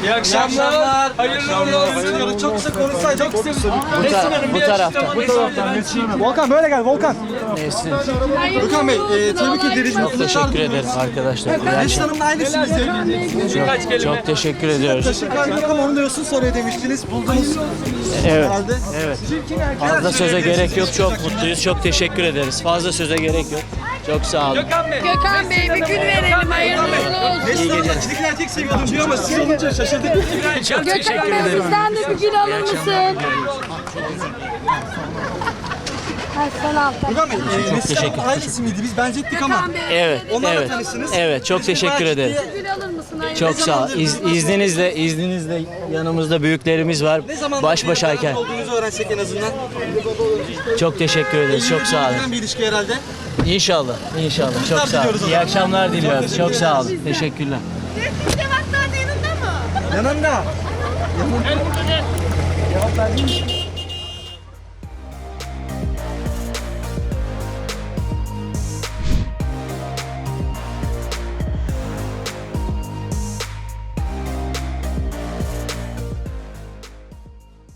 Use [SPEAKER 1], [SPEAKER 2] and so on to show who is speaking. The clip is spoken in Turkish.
[SPEAKER 1] İyi akşamlar. Hayırlı uğurlu olsun. Çok kısa konuşsaydık. Çok kısa.
[SPEAKER 2] Bu tarafta.
[SPEAKER 1] Volkan böyle gel Volkan.
[SPEAKER 2] Nesin?
[SPEAKER 1] Volkan Bey tebrik ederiz.
[SPEAKER 2] Çok teşekkür ederiz arkadaşlar.
[SPEAKER 1] Nesin Hanım'la aynısınız.
[SPEAKER 2] Çok teşekkür ediyoruz.
[SPEAKER 1] Taşıkan yok ama onu diyorsun sonra demiştiniz. Buldunuz.
[SPEAKER 2] Evet.
[SPEAKER 1] Herhalde.
[SPEAKER 2] Evet. Fazla söze gerek yok. Çok mutluyuz. Çok teşekkür ederiz. Fazla söze gerek yok. Çok sağ olun.
[SPEAKER 3] Gökhan Bey bir gün verelim, hayırlı uğurlu olsun.
[SPEAKER 1] Nesin Hanım'la çiftlik erkek seviyordum diyor ama siz olunca şaşırdık.
[SPEAKER 2] Çok teşekkür
[SPEAKER 3] Gökhan Bey
[SPEAKER 2] ederim.
[SPEAKER 3] bizden de bir gün alır mısın? Sen al.
[SPEAKER 1] Volkan Bey Nesin
[SPEAKER 2] teşekkür
[SPEAKER 1] Hanım ailesi miydi? Biz benzettik ama.
[SPEAKER 3] Gökhan Bey
[SPEAKER 2] Evet.
[SPEAKER 1] Onlarla
[SPEAKER 2] Evet.
[SPEAKER 1] tanıştınız.
[SPEAKER 2] Evet. Çok teşekkür ederim.
[SPEAKER 3] bir gün alır mısın? Hayırlı
[SPEAKER 2] Çok sağ ol. İzninizle yanımızda büyüklerimiz var.
[SPEAKER 1] Ne zaman
[SPEAKER 2] Baş başayken.
[SPEAKER 1] olduğunuzu öğrensek en azından.
[SPEAKER 2] Çok teşekkür ederiz. Çok sağ olun.
[SPEAKER 1] Bir ilişki herhalde.
[SPEAKER 2] İnşallah. İnşallah. Çok sağ olun.
[SPEAKER 1] diliyoruz o
[SPEAKER 2] İyi
[SPEAKER 1] zaman.
[SPEAKER 2] akşamlar diliyoruz. Çok sağ olun. Teşekkürler.
[SPEAKER 1] Yanında. Yanında. Cevap verdin mi?